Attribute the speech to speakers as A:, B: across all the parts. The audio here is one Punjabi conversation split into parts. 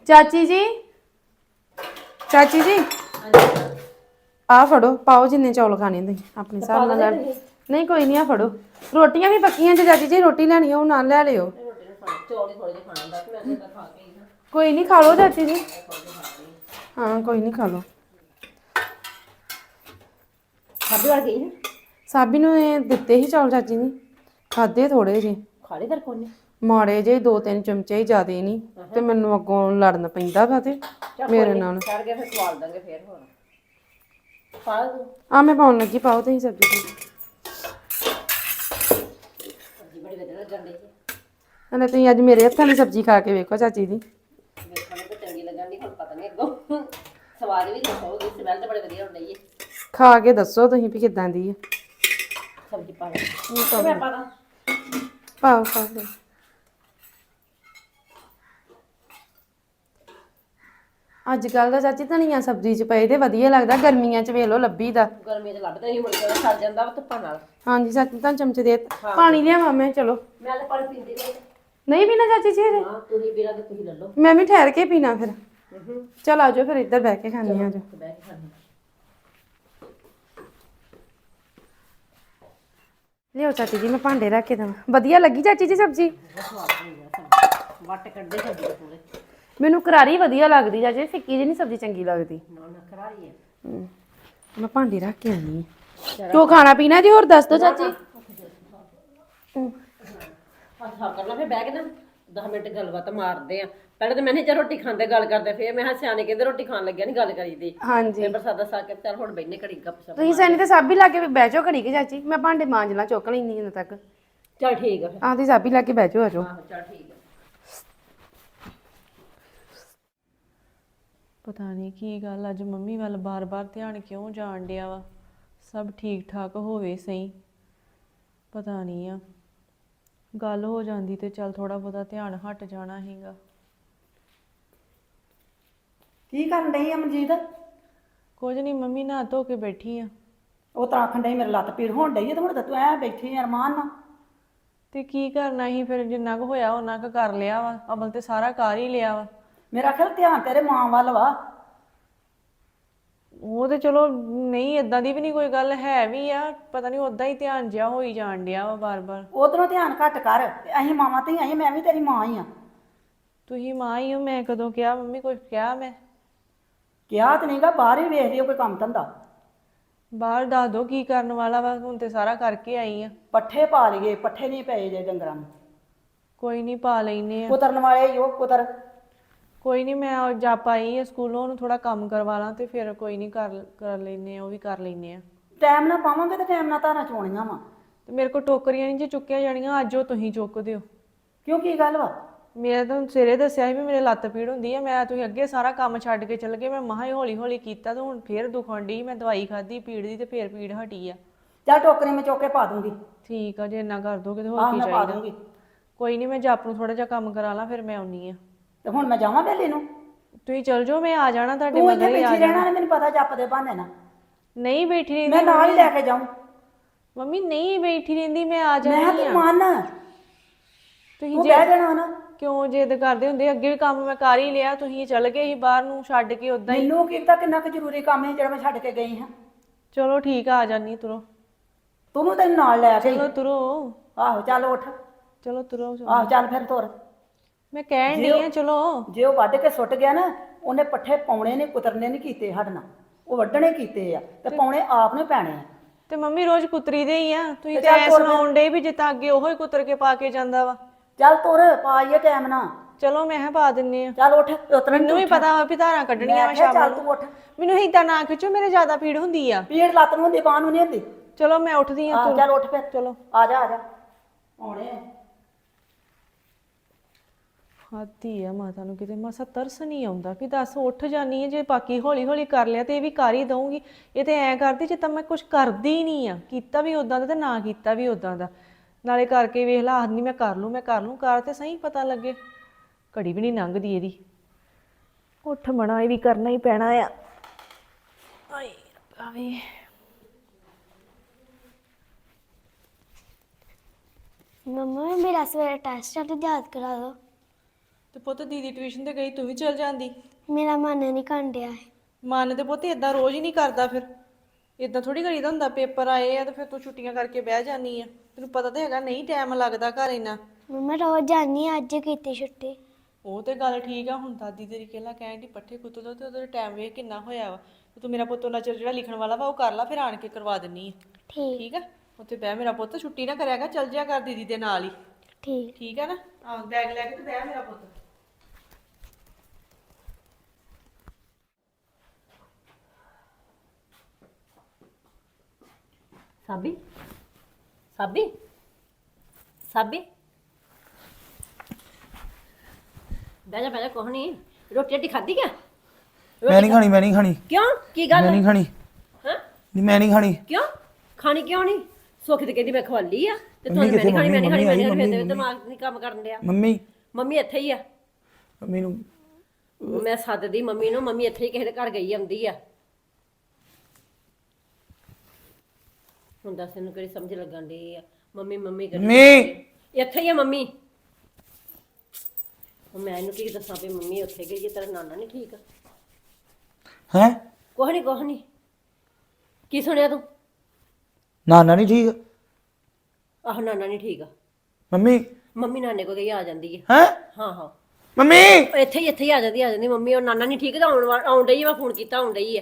A: ਚਾਚੀ ਜੀ ਚਾਚੀ ਜੀ ਆ ਫੜੋ ਪਾਓ ਜਿੰਨੇ ਚੌਲ ਖਾਣੇ ਤੁਸੀਂ ਆਪਣੇ ਹਿਸਾਬ ਨਾਲ ਲੈ ਨਹੀਂ ਕੋਈ ਨਹੀਂ ਆ ਫੜੋ ਰੋਟੀਆਂ ਵੀ ਪੱਕੀਆਂ ਜੇ ਚਾਚੀ ਜੀ ਰੋਟੀ ਲੈਣੀ ਉਹ ਨਾਲ ਲੈ ਲਿਓ ਕੋਈ ਨਹੀਂ ਖਾ ਲਓ ਚਾਚੀ ਜੀ ਹਾਂ ਕੋਈ ਨਹੀਂ ਖਾ ਲਓ ਸਾਬੀ ਨੂੰ ਇਹ ਦਿੱਤੇ ਸੀ ਚੌਲ ਚਾਚੀ ਨੇ ਖਾਦੇ ਥੋੜੇ ਜੇ
B: ਖਾਲੇ ਫਿਰ ਕੋਨੇ
A: ਮਾੜੇ ਜੇ 2-3 ਚਮਚੇ ਹੀ ਜ਼ਿਆਦੇ ਨਹੀਂ ਤੇ ਮੈਨੂੰ ਅੱਗੋਂ ਲੜਨ ਪੈਂਦਾ ਵਾ ਤੇ ਮੇਰੇ ਨਾਲ
B: ਛੱਡ ਕੇ ਫਿਰ ਖਵਾਲ ਦਾਂਗੇ ਫਿਰ ਹੋਰ ਪਾ ਦੋ
A: ਆ ਮੈਂ ਪਾਉਣ ਲੱਗੀ ਪਾਓ ਤੁਸੀਂ ਸਬਜ਼ੀ
B: ਸਬਜ਼ੀ ਬੜੀ ਵਧੀਆ ਲੱਗਦੀ ਹੈ
A: ਹਲੇ ਤੁਸੀਂ ਅੱਜ ਮੇਰੇ ਹੱਥਾਂ ਦੀ ਸਬਜ਼ੀ ਖਾ ਕੇ ਵੇਖੋ ਚਾਚੀ ਦੀ
B: ਵੇਖਣ ਨੂੰ ਤਾਂ ਚੰਗੀ ਲੱਗਣ ਦੀ ਹੁਣ ਪਤਾ ਨਹੀਂ ਅੱਗੋਂ ਸਵਾਦ ਵੀ ਦੱਸੋਗੇ ਸਮੈਲ ਤਾਂ ਬੜੀ ਵਧੀਆ ਹੁੰਦੀ ਹੈ
A: ਖਾ ਕੇ ਦੱਸੋ ਤੁਸੀਂ ਵੀ ਕਿੱਦਾਂ ਦੀ ਹੈ
B: ਸਬਜ਼ੀ ਪਾ ਦੇ ਮੈਂ ਪਾ ਦਾਂ
A: ਪਾਓ ਪਾਓ ਅੱਜ ਕੱਲ ਦਾ ਚਾਚੀ ਧਨੀਆ ਸਬਜ਼ੀ ਚ ਪਏ ਤੇ ਵਧੀਆ ਲੱਗਦਾ ਗਰਮੀਆਂ ਚ ਵੇਖ ਲੋ ਲੱਭੀ ਦਾ
B: ਗਰਮੀ ਚ ਲੱਭਦਾ ਹੀ ਮੁੜ ਕੇ ਸੜ ਜਾਂਦਾ ਵਾ ਧੁੱਪਾਂ ਨਾਲ
A: ਹਾਂਜੀ ਚਾਚੀ ਤਾਂ ਚਮਚੇ ਦੇ ਪਾਣੀ ਲਿਆਵਾਂ ਮੈਂ ਚਲੋ
B: ਮੈਂ ਤਾਂ ਪਾਣੀ ਪੀਂਦੀ ਨਹੀਂ
A: ਨਹੀਂ ਪੀਣਾ ਚਾਚੀ ਜੀ ਹਜੇ?
B: ਹਾਂ ਤੁਸੀਂ ਪੀਣਾ ਤੇ ਤੁਸੀਂ ਲੈ ਲਓ
A: ਮੈਂ ਵੀ ਠਹਿਰ ਕੇ ਪੀਣਾ ਫਿਰ ਚਲ ਆਜੋ ਫਿਰ ਇੱਧਰ ਬਹਿ ਕੇ ਖਾਣੀ ਆਜੋ
B: ਬਹਿ ਕੇ ਖਾਣੀ
A: ਲਿਓ ਚਾਚੀ ਜੀ ਮੈਂ ਭਾਂਡੇ ਰੱਖ ਕੇ ਦਵਾਂ ਵਧੀਆ ਲੱਗੀ ਚਾਚੀ ਜੀ ਸਬਜ਼ੀ
B: ਵੱਟ ਕੱਢੇ ਸਬਜ਼ੀ ਦੇ ਪੂਰੇ
A: ਮੈਨੂੰ ਕਰਾਰੀ ਵਧੀਆ ਲੱਗਦੀ ਚਾਚੀ ਫਿੱਕੀ ਜਿਹੀ ਨਹੀਂ ਸਬਜ਼ੀ ਚੰਗੀ ਲੱਗਦੀ
B: ਨਾ ਨਾ ਕਰਾਰੀ ਹੈ
A: ਮੈਂ ਭਾਂਡੇ ਰੱਖ ਕੇ ਆਨੀ ਆ ਤੂੰ ਖਾਣਾ ਪੀਣਾ ਜੀ ਹੋਰ ਦੱਸ ਦੋ ਚਾਚੀ
B: ਹਾਂ ਕਰ ਲਾ ਫਿਰ ਬਹਿ ਕੇ ਨਾ 10 ਮਿੰਟ ਗੱਲਬਾਤ ਮਾਰਦੇ ਆ ਪਹਿਲਾਂ ਤਾਂ ਮੈਂ ਨਹੀਂ ਚਾ ਰੋਟੀ ਖਾਂਦੇ ਗੱਲ ਕਰਦੇ ਫਿਰ ਮੈਂ ਸਿਆਣੇ ਕਹਿੰਦੇ ਰੋਟੀ ਖਾਣ ਲੱਗਿਆ ਨਹੀਂ ਗੱਲ ਕਰੀਦੀ
A: ਹਾਂਜੀ
B: ਫਿਰ ਪ੍ਰਸਾਦਾ ਸਾ ਕੇ ਚੱਲ ਹੁਣ ਬੈਠਨੇ ਘੜੀ ਗੱਪ ਸ਼ਪ
A: ਤੁਸੀਂ ਸੈਨੀ ਤੇ ਸਾਬੀ ਲਾ ਕੇ ਬਹਿ ਜਾਓ ਘੜੀ ਕੇ ਚਾਚੀ ਮੈਂ ਭਾਂਡੇ ਮਾਂਜ ਲਾਂ ਚੁੱਕ ਲੈਣੀ ਇਹਨਾਂ ਤੱਕ
B: ਚੱਲ ਠੀਕ ਆ ਫਿਰ
A: ਆਹ ਦੀ ਸਾਬੀ ਲਾ ਕੇ ਬਹਿ ਜਾਓ ਆਜੋ
B: ਆਹੋ ਚੱਲ ਠੀਕ ਆ
C: ਪਤਾ ਨਹੀਂ ਕੀ ਗੱਲ ਅੱਜ ਮੰਮੀ ਵੱਲ ਬਾਰ-ਬਾਰ ਧਿਆਨ ਕਿਉਂ ਜਾਣ ਡਿਆ ਵਾ ਸਭ ਠੀਕ ਠਾਕ ਹੋਵੇ ਸਹੀ ਪਤਾ ਨਹੀਂ ਆ ਗੱਲ ਹੋ ਜਾਂਦੀ ਤੇ ਚੱਲ ਥੋੜਾ ਬਹੁਤਾ ਧਿਆਨ ਹਟ ਜਾਣਾ ਹੈਗਾ
D: ਕੀ ਕਰਨ ਡਈ ਆ ਮਨਜੀਤ
C: ਕੁਝ ਨਹੀਂ ਮੰਮੀ ਨਹਾ ਧੋ ਕੇ ਬੈਠੀ ਆ
D: ਉਹ ਤਾਂ ਆਖਣ ਡਈ ਮੇਰੇ ਲੱਤ ਪੀੜ ਹੋਣ ਡਈ ਆ ਤੇ ਹੁਣ ਤਾਂ ਤੂੰ ਐ ਬੈਠੀ ਆ ਅਰਮਾਨ ਨਾਲ
C: ਤੇ ਕੀ ਕਰਨਾ ਸੀ ਫਿਰ ਜਿੰਨਾ ਕੁ ਹੋਇਆ ਉਹਨਾਂ ਕੁ ਕਰ ਲਿਆ ਵਾ ਅਮਲ ਤੇ ਸਾਰਾ ਕਰ ਹੀ ਲਿਆ ਵਾ
D: ਮੇਰਾ ਖਿਆਲ ਧਿਆਨ ਤੇਰੇ ਮਾਂ ਵੱਲ ਵਾ
C: ਉਹ ਤੇ ਚਲੋ ਨਹੀਂ ਇਦਾਂ ਦੀ ਵੀ ਨਹੀਂ ਕੋਈ ਗੱਲ ਹੈ ਵੀ ਆ ਪਤਾ ਨਹੀਂ ਉਦਾਂ ਹੀ ਧਿਆਨ ਜਿਹਾ ਹੋਈ ਜਾਣ ਡਿਆ ਵਾ ਬਾਰ-ਬਾਰ
D: ਉਧਰੋਂ ਧਿਆਨ ਘੱਟ ਕਰ ਤੇ ਅਸੀਂ ਮਾਵਾਂ ਤੇ ਅਸੀਂ ਮੈਂ ਵੀ ਤੇਰੀ ਮਾਂ ਹੀ ਆ
C: ਤੁਸੀਂ ਮਾਂ ਹੀ ਹੋ ਮੈਂ ਕਦੋਂ ਕਿਹਾ ਮੰਮੀ ਕੁਝ ਕਿਹਾ ਮੈਂ
D: ਕਿਹਾ ਤੇ ਨਹੀਂਗਾ ਬਾਹਰ ਹੀ ਵੇਖ ਲਿਓ ਕੋਈ ਕੰਮ ਧੰਦਾ
C: ਬਾਹਰ ਦੱਸ ਦੋ ਕੀ ਕਰਨ ਵਾਲਾ ਵਾ ਹੁਣ ਤੇ ਸਾਰਾ ਕਰਕੇ ਆਈ ਆ
D: ਪੱਠੇ ਪਾ ਲਈਏ ਪੱਠੇ ਨਹੀਂ ਪਏ ਜੇ ਡੰਗਰਾਂ ਨੂੰ
C: ਕੋਈ ਨਹੀਂ ਪਾ ਲੈਨੇ ਆ
D: ਕੁਤਰਨ ਵਾਲੇ ਹੀ ਉਹ ਕੁਤਰ
C: ਕੋਈ ਨਹੀਂ ਮੈਂ ਜਾ ਪਾਈ ਆ ਸਕੂਲੋਂ ਉਹਨੂੰ ਥੋੜਾ ਕੰਮ ਕਰਵਾ ਲਾਂ ਤੇ ਫਿਰ ਕੋਈ ਨਹੀਂ ਕਰ ਲੈਨੇ ਆ ਉਹ ਵੀ ਕਰ ਲੈਨੇ ਆ
D: ਟਾਈਮ ਨਾਲ ਪਾਵਾਂਗੇ ਤੇ ਟਾਈਮ ਨਾਲ ਧਾਰਾਂ ਚੋਣੀਆਂ ਵਾ
C: ਤੇ ਮੇਰੇ ਕੋਲ ਟੋਕਰੀਆਂ ਨਹੀਂ ਜੇ ਚੁੱਕਿਆ ਜਾਣੀਆਂ ਅੱਜ ਉਹ ਤੁਸੀਂ ਚੁੱਕ ਦਿਓ
D: ਕਿਉਂ ਕੀ ਗੱਲ ਵਾ
C: ਮੈਂ ਤਾਂ ਸਵੇਰੇ ਦੱਸਿਆ ਸੀ ਵੀ ਮੇਰੇ ਲੱਤ ਪੀੜ ਹੁੰਦੀ ਆ ਮੈਂ ਤੁਸੀਂ ਅੱਗੇ ਸਾਰਾ ਕੰਮ ਛੱਡ ਕੇ ਚੱਲ ਗਏ ਮੈਂ ਮਹਾ ਹੀ ਹੌਲੀ ਹੌਲੀ ਕੀਤਾ ਤੇ ਹੁਣ ਫੇਰ ਦੁਖਣ ਡਈ ਮੈਂ ਦਵਾਈ ਖਾਧੀ ਪੀੜ ਦੀ ਤੇ ਫੇਰ ਪੀੜ ਹਟੀ ਆ
D: ਚੱਲ ਟੋਕਰੀ ਮੈਂ ਚੁੱਕ ਕੇ ਪਾ ਦੂੰਗੀ
C: ਠੀਕ ਆ ਜੇ ਇੰਨਾ ਕਰ ਦੋਗੇ ਤੇ ਹੋਰ
D: ਆਹ
C: ਕੀ
D: ਮੈਂ ਪਾ
C: ਚਾਹੀਦਾ
D: ਦੂੰਗੀ
C: ਕੋਈ ਨਹੀਂ ਮੈਂ ਜੱਪ ਨੂੰ ਥੋੜਾ ਜਿਹਾ ਕੰਮ ਕਰਾ ਲਾਂ ਫਿਰ ਮੈਂ ਆਉਣੀ ਆ
D: ਤੇ ਹੁਣ ਮੈਂ ਜਾਵਾਂ ਵੇਲੇ ਨੂੰ
C: ਤੁਸੀਂ ਚੱਲ ਜਾਓ ਮੈਂ ਆ ਜਾਣਾ ਤੁਹਾਡੇ
D: ਤੂੰ ਇੱਥੇ
C: ਮਗਰ ਹੀ ਆ
D: ਬੈਠੀ
C: ਜਾਣਾ
D: ਰਹਿਣਾ ਨੇ ਮੈਨੂੰ ਪਤਾ ਜੱਪ ਦੇ ਬਹਾਨੇ ਨਾਲ
C: ਨਹੀਂ ਬੈਠੀ ਰਹਿੰਦੀ
D: ਮੈਂ ਨਾਲ ਹੀ ਲੈ ਕੇ ਜਾਊਂ
C: ਮੰਮੀ ਨਹੀਂ ਬੈਠੀ ਰਹਿੰਦੀ ਮੈਂ ਆ
D: ਮੈਂ
C: ਜਾਣੀ
D: ਤੂੰ
C: ਆ
D: ਮੰਨ
C: ਤੁਸੀਂ
D: ਤੂੰ ਬਹਿ ਜਾਣਾ ਨਾ
C: ਕਿਉਂ ਜਿੱਦ ਕਰਦੇ ਹੁੰਦੇ ਅੱਗੇ ਵੀ ਕੰਮ ਮੈਂ ਕਰ ਹੀ ਲਿਆ ਤੁਸੀਂ ਚੱਲ ਗਏ ਸੀ ਬਾਹਰ ਨੂੰ ਛੱਡ ਕੇ ਉਦਾਂ ਹੀ
D: ਮੈਨੂੰ ਕੀ ਪਤਾ ਕਿੰਨਾ ਕੁ ਜ਼ਰੂਰੀ ਕੰਮ ਹੈ ਜਿਹੜਾ ਮੈਂ ਛੱਡ ਕੇ ਗਈ ਹਾਂ
C: ਚਲੋ ਠੀਕ ਆ ਜਾਨੀ ਤੁਰੋ
D: ਤੂੰ ਤੈਨੂੰ ਨਾਲ ਲੈ ਕੇ
C: ਚਲੋ ਤੁਰੋ
D: ਆਹੋ ਚੱਲ ਉੱਠ
C: ਚਲੋ ਤੁਰੋ
D: ਆਹੋ ਚੱਲ ਫਿਰ ਤੁਰ
C: ਮੈਂ ਕਹਿਣ ਡਈ ਆ ਚਲੋ
D: ਜੇ ਉਹ ਵੱਢ ਕੇ ਸੁੱਟ ਗਿਆ ਨਾ ਉਹਨੇ ਪੱਠੇ ਪਾਉਣੇ ਨੇ ਕੁਤਰਨੇ ਨਹੀਂ ਕੀਤੇ ਸਾਡੇ ਨਾਲ ਉਹ ਵੱਢਣੇ ਕੀਤੇ ਆ ਤੇ ਪਾਉਣੇ ਆਪ ਨੂੰ ਪੈਣੇ ਆ
C: ਤੇ ਮੰਮੀ ਰੋਜ਼ ਕੁਤਰੀ ਦੇ ਹੀ ਆ ਤੁਸੀਂ ਤੇ ਐ ਸੁਣਾਉਣ ਡੇ ਵੀ ਜਿੱਦਾਂ ਅੱਗੇ ਉਹੋ ਹੀ ਕੁਤਰ ਕੇ ਪਾ ਕੇ ਜਾਂਦਾ ਵਾ
D: ਚੱਲ ਤੁਰ ਪਾਈਏ ਟਾਈਮ ਨਾਲ
C: ਚਲੋ ਮੈਂ ਕਿਹਾ ਪਾ ਦਿੰਨੇ ਆ
D: ਚੱਲ ਉੱਠ ਉਤਰਨ
C: ਮੈਨੂੰ ਵੀ ਪਤਾ ਵਾ ਵੀ ਧਾਰਾਂ ਕੱਢਣੀਆਂ ਵਾ ਸ਼ਾਮ
D: ਚੱਲ
C: ਨੂੰ
D: ਤੂੰ ਉੱਠ
C: ਮੈਨੂੰ ਏਦਾਂ ਨਾ ਖਿੱਚੋ ਮੇਰੇ ਜ਼ਿਆਦਾ ਪੀੜ ਹੁੰਦੀ ਆ
D: ਪੀੜ ਲੱਤ ਨੂੰ ਹੁੰਦੀ ਬਾਂਹ ਨੂੰ ਨਹੀਂ ਹੁੰਦੀ
C: ਚਲੋ ਮੈਂ ਉੱਠਦੀ ਆ
D: ਆਹ ਚੱਲ ਉੱਠ ਫਿਰ
C: ਚਲੋ
D: ਆ ਜਾ ਆਉਣੇ
C: ਹਾਦੀ ਆ ਮਾਤਾ ਨੂੰ ਕਿਤੇ ਮਸਾ ਤਰਸ ਨਹੀਂ ਆਉਂਦਾ ਵੀ ਦੱਸ ਉੱਠ ਜਾਨੀ ਹੈ ਜੇ ਬਾਕੀ ਹੌਲੀ ਹੌਲੀ ਕਰ ਲਿਆ ਤੇ ਇਹ ਵੀ ਕਰ ਹੀ ਦਊਂਗੀ ਇਹ ਤੇ ਐਂ ਕਰਦੀ ਜੇ ਤਾਂ ਮੈਂ ਕੁਝ ਕਰਦੀ ਹੀ ਨਹੀਂ ਆ ਕੀਤਾ ਵੀ ਉਦਾਂ ਦਾ ਤੇ ਨਾ ਕੀਤਾ ਵੀ ਉਦਾਂ ਦਾ ਨਾਲੇ ਕਰਕੇ ਵੇਖ ਲਾ ਆਖਦੀ ਮੈਂ ਕਰ ਲੂੰ ਕਰ ਤੇ ਸਹੀ ਪਤਾ ਲੱਗੇ ਘੜੀ ਵੀ ਨਹੀਂ ਲੰਘਦੀ ਇਹਦੀ ਉੱਠ ਮਣਾ ਇਹ ਵੀ ਕਰਨਾ ਹੀ ਪੈਣਾ ਆ ਆਏ ਰੱਬਾ ਵੇ
E: मम्मा मेरा सवेरे टेस्ट है तो याद करा दो
C: ਤੇ ਪੁੱਤ ਦੀਦੀ ਟਿਊਸ਼ਨ ਤੇ ਗਈ, ਤੂੰ ਵੀ ਚਲ ਜਾਂਦੀ।
E: ਮੇਰਾ ਮਨ ਨਹੀਂ ਕੰਡਿਆ ਹੈ।
C: ਮਨ ਤੇ ਪੁੱਤ ਇਦਾਂ ਰੋਜ਼ ਹੀ ਨਹੀਂ ਕਰਦਾ, ਫਿਰ ਇਦਾਂ ਥੋੜੀ ਕਰੀਦਾ ਹੁੰਦਾ। ਪੇਪਰ ਆਏ ਆ ਤੇ ਫਿਰ ਤੂੰ ਛੁੱਟੀਆਂ ਕਰਕੇ ਬਹਿ ਜਾਨੀ ਆ। ਤੈਨੂੰ ਪਤਾ ਤਾਂ ਹੈਗਾ ਨਹੀਂ ਟਾਈਮ ਲੱਗਦਾ ਘਰ ਇੰਨਾ।
E: ਮੰਮਾ ਰੋਜ਼ ਜਾਨੀ ਆ, ਅੱਜ ਕੀਤੀ ਛੁੱਟੀ।
C: ਉਹ ਤੇ ਗੱਲ ਠੀਕ ਆ। ਹੁਣ ਦਾਦੀ ਤੇਰੀ ਕਹਿਲਾ ਕਹਿਣ ਦੀ ਪੱਠੇ ਕੁੱਤ ਦੋ ਤੇ ਉਹਦਾ ਟਾਈਮ ਵੇਖ ਕਿੰਨਾ ਹੋਇਆ ਵਾ। ਤੇ ਤੂੰ ਮੇਰਾ ਪੁੱਤ ਉਹਨਾਂ ਚਿਰ ਜਿਹੜਾ ਲਿਖਣ ਵਾਲਾ ਵਾ ਉਹ ਕਰ ਲਾ, ਫਿਰ ਆਣ ਕੇ ਕਰਵਾ ਦਿੰਨੀ ਆ।
E: ਠੀਕ
C: ਠੀਕ ਆ, ਉੱਥੇ ਬਹਿ ਮੇਰਾ ਪੁੱਤ, ਛੁੱਟੀ ਨਾ ਕਰਿਆਗਾ, ਚੱਲ ਜਿਆ ਕਰ ਦੀਦੀ ਦੇ ਨਾਲ ਹੀ।
E: ਠੀਕ।
C: ਠੀਕ ਆ ਨਾ? ਹਾਂ, ਬੈਗ ਲੈ ਕੇ ਤੇ ਬਹਿ ਮੇਰਾ ਪੁੱਤ।
B: ਸਾਬੀ ਸਾਬੀ ਸਾਬੀ ਬਹਿ ਜਾ ਕੁਛ ਨਹੀਂ। ਰੋਟੀ ਰੋਟੀ ਖਾਧੀ ਕਿਆ?
F: ਮੈਂ ਨਹੀਂ ਖਾਣੀ, ਮੈਂ ਨਹੀਂ ਖਾਣੀ,
B: ਕਿਉਂ? ਕੀ ਗੱਲ
F: ਮੈਂ ਨਹੀਂ ਖਾਣੀ,
B: ਹਾਂ?
F: ਨਹੀਂ ਮੈਂ ਨਹੀਂ ਖਾਣੀ।
B: ਕਿਉਂ ਖਾਣੀ ਕਿਉਂ ਨਹੀਂ? ਸੁੱਖ ਤੇ ਕਹਿੰਦੀ ਮੈਂ ਖਵਾਲੀ ਆ ਤੇ
F: ਮੰਮੀ
B: ਤੁਹਾਨੂੰ ਮੈਂ ਨਹੀਂ ਖਾਣੀ, ਮੈਂ ਨਹੀਂ ਖਾਣੀ, ਮੈਂ ਨਹੀਂ
F: ਮੰਮੀ
B: ਖਾਣੀ। ਦਿਮਾਗ ਨਹੀਂ ਕੰਮ ਕਰਨ ਡਿਆ।
F: ਮੰਮੀ
B: ਮੰਮੀ ਇੱਥੇ ਹੀ ਆ।
F: ਮੰਮੀ ਨੂੰ
B: ਮੈਂ ਸੱਦਦੀ ਮੰਮੀ ਨੂੰ। ਮੰਮੀ ਇੱਥੇ ਹੀ ਕਿਸੇ ਦੇ ਘਰ ਗਈ ਆਉਂਦੀ ਆ। ਹੁਣ ਦੱਸ ਇਹਨੂੰ ਕਿਹੜੀ ਸਮਝ ਲੱਗਣ ਡਈ ਆ? ਮੰਮੀ ਮੰਮੀ ਕਰੀ
F: ਮੰਮੀ
B: ਇੱਥੇ ਹੀ ਆ ਮੰਮੀ। ਹੁਣ ਮੈਂ ਇਹਨੂੰ ਕੀ ਦੱਸਾਂ ਵੀ ਮੰਮੀ ਉੱਥੇ ਗਈ ਜੇ ਤੇਰਾ ਨਾਨਾ ਨਹੀਂ ਠੀਕ?
F: ਹੈ
B: ਕੁਛ ਨਹੀਂ। ਕੀ ਸੁਣਿਆ ਤੂੰ?
F: ਨਾਨਾ ਨਹੀਂ ਠੀਕ?
B: ਆਹੋ ਨਾਨਾ ਨਹੀਂ ਠੀਕ ਆ।
F: ਮੰਮੀ
B: ਮੰਮੀ ਨਾਨੇ ਕੋਲ ਗਈ ਆ ਜਾਂਦੀ ਹੈ।
F: ਹੈ
B: ਹਾਂ
F: ਮੰਮੀ
B: ਇੱਥੇ ਹੀ ਆ ਜਾਂਦੀ ਮੰਮੀ। ਉਹ ਨਾਨਾ ਨਹੀਂ ਠੀਕ ਤਾਂ ਆਉਣ ਡਈ ਆ। ਮੈਂ ਫੋਨ ਕੀਤਾ ਆਉਣ ਡਈ ਆ।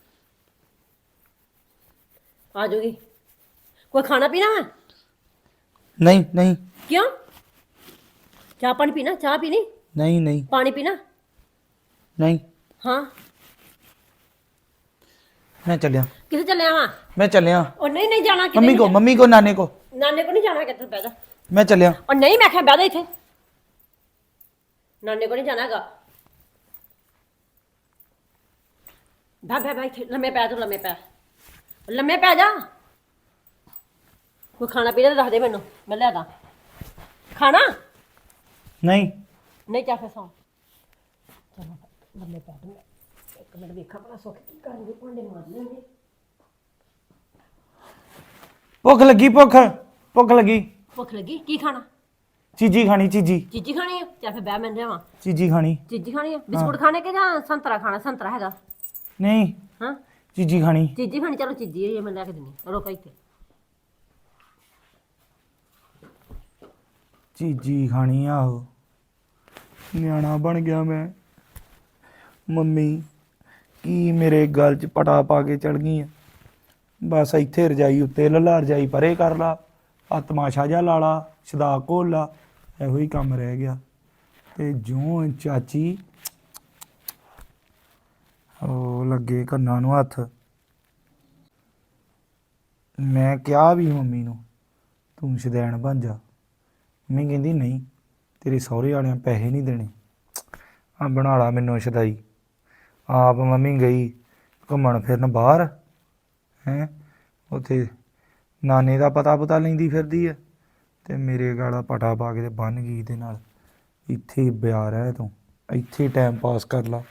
B: ਆ ਜਾਊਗੀ। ਕੋਈ ਖਾਣਾ ਪੀਣਾ ਵਾ?
F: ਨਹੀਂ ਨਹੀਂ
B: ਕਿਉਂ? ਚਾਹ ਪਾਣੀ ਪੀਣਾ? ਚਾਹ ਪੀਣੀ?
F: ਨਹੀਂ ਨਹੀਂ
B: ਪਾਣੀ ਪੀਣਾ?
F: ਨਹੀਂ
B: ਹਾਂ।
F: ਮੈਂ ਚੱਲਿਆ,
B: ਕਿੱਥੇ ਚੱਲਿਆ ਵਾ?
F: ਮੈਂ ਚੱਲਿਆ
B: ਉਹ ਨਹੀਂ ਜਾਣਾ ਕਿਤੇ
F: ਮੰਮੀ ਕੋ ਨਾਨੇ ਕੋ।
B: ਨਾਨੇ ਕੋ ਨਹੀਂ ਜਾਣਾ। ਕਿੱਥੇ ਬਹਿ ਜਾ।
F: ਮੈਂ ਚੱਲਿਆ।
B: ਉਹ ਨਹੀਂ, ਮੈਂ ਕਿਹਾ ਬਹਿ ਜਾ ਇੱਥੇ। ਨਾਨੇ ਕੋ ਨਹੀਂ ਜਾਣਾ ਹੈਗਾ। ਬੈ ਇੱਥੇ ਲੰਮੇ ਪੈ। ਤੂੰ ਲੰਮੇ ਪੈ ਜਾ। ਕੋਈ ਖਾਣਾ ਪੀਣਾ ਦੱਸ ਦੇ ਮੈਨੂੰ, ਮੈਂ ਲੈ ਦਾਂ ਖਾਣਾ।
F: ਨਹੀਂ
B: ਚਾਹ ਫਿਰ ਸੌਂ। ਚਲੋ ਲੰਮੇ ਪੈ ਦੂੰ। ਇੱਕ ਮਿੰਟ ਵੇਖਾਂ ਭਲਾ ਸੁੱਖ ਕੀ ਕਰਨਗੇ। ਭਾਂਡੇ ਮਾਰ ਲੈਣਗੇ।
F: ਭੁੱਖ ਲੱਗੀ, ਭੁੱਖ ਲੱਗੀ।
B: ਭੁੱਖ ਲੱਗੀ? ਕੀ ਖਾਣਾ?
F: ਚੀਜੀ ਖਾਣੀ, ਚੀਜੀ
B: ਖਾਣੀ ਆ? ਚਾਹ ਫਿਰ ਬਹਿ ਮੈਂ ਲਿਆਵਾਂ।
F: ਚੀਜੀ ਖਾਣੀ।
B: ਚੀਜੀ ਖਾਣੀ ਆ? ਬਿਸਕੁਟ ਖਾਣੇ ਕਿ ਜਾਂ ਸੰਤਰਾ ਖਾਣਾ? ਸੰਤਰਾ ਹੈਗਾ?
F: ਨਹੀਂ
B: ਹਾਂ
F: ਚੀਜੀ ਖਾਣੀ।
B: ਚੀਜੀ ਖਾਣੀ। ਚਲੋ ਚੀਜੀ ਹੋਈ ਮੈਂ ਲੈ ਕੇ ਦਿੰਦੀ। ਰੁਕ ਇੱਥੇ।
F: ਚੀਜੀ ਖਾਣੀ ਆਹੋ। ਨਿਆਣਾ ਬਣ ਗਿਆ ਮੈਂ। ਮੰਮੀ ਕੀ ਮੇਰੇ ਗਲ 'ਚ ਪਟਾ ਪਾ ਕੇ ਚੜ ਗਈ ਆ। ਬਸ ਇੱਥੇ ਰਜਾਈ ਉੱਤੇ ਲੱਲਾ, ਰਜਾਈ ਪਰੇ ਕਰ ਲਾ, ਆ ਤਮਾਸ਼ਾ ਜਿਹਾ ਲਾ ਲਾ, ਸਦਾ ਘੋਲ ਲਾ, ਇਹੋ ਹੀ ਕੰਮ ਰਹਿ ਗਿਆ। ਤੇ ਜਿਉਂ ਚਾਚੀ ਉਹ ਲੱਗੇ ਕੰਨਾਂ ਨੂੰ ਹੱਥ। ਮੈਂ ਕਿਹਾ ਵੀ ਮੰਮੀ ਨੂੰ ਤੂੰ ਸ਼ਦੈਣ ਬਣ ਜਾ। ਮੰਮੀ ਕਹਿੰਦੀ ਨਹੀਂ, ਤੇਰੇ ਸਹੁਰੇ ਵਾਲਿਆਂ ਪੈਸੇ ਨਹੀਂ ਦੇਣੇ, ਆ ਬਣਾ ਲਾ ਮੈਨੂੰ ਸ਼ਦਾਈ। ਆਪ ਮੰਮੀ ਗਈ ਘੁੰਮਣ ਫਿਰਨ ਬਾਹਰ। ਹੈਂ ਉੱਥੇ ਨਾਨੇ ਦਾ ਪਤਾ ਲੈਂਦੀ ਫਿਰਦੀ ਹੈ ਤੇ ਮੇਰੇ ਗਾਲਾ ਪਟਾ ਪਾ ਕੇ ਤੇ ਬੰਨ ਗਈ ਇਹਦੇ ਨਾਲ। ਇੱਥੇ ਹੀ ਬਿਆ ਰਹਿ ਤੂੰ, ਇੱਥੇ ਟਾਈਮ ਪਾਸ ਕਰ ਲਾ।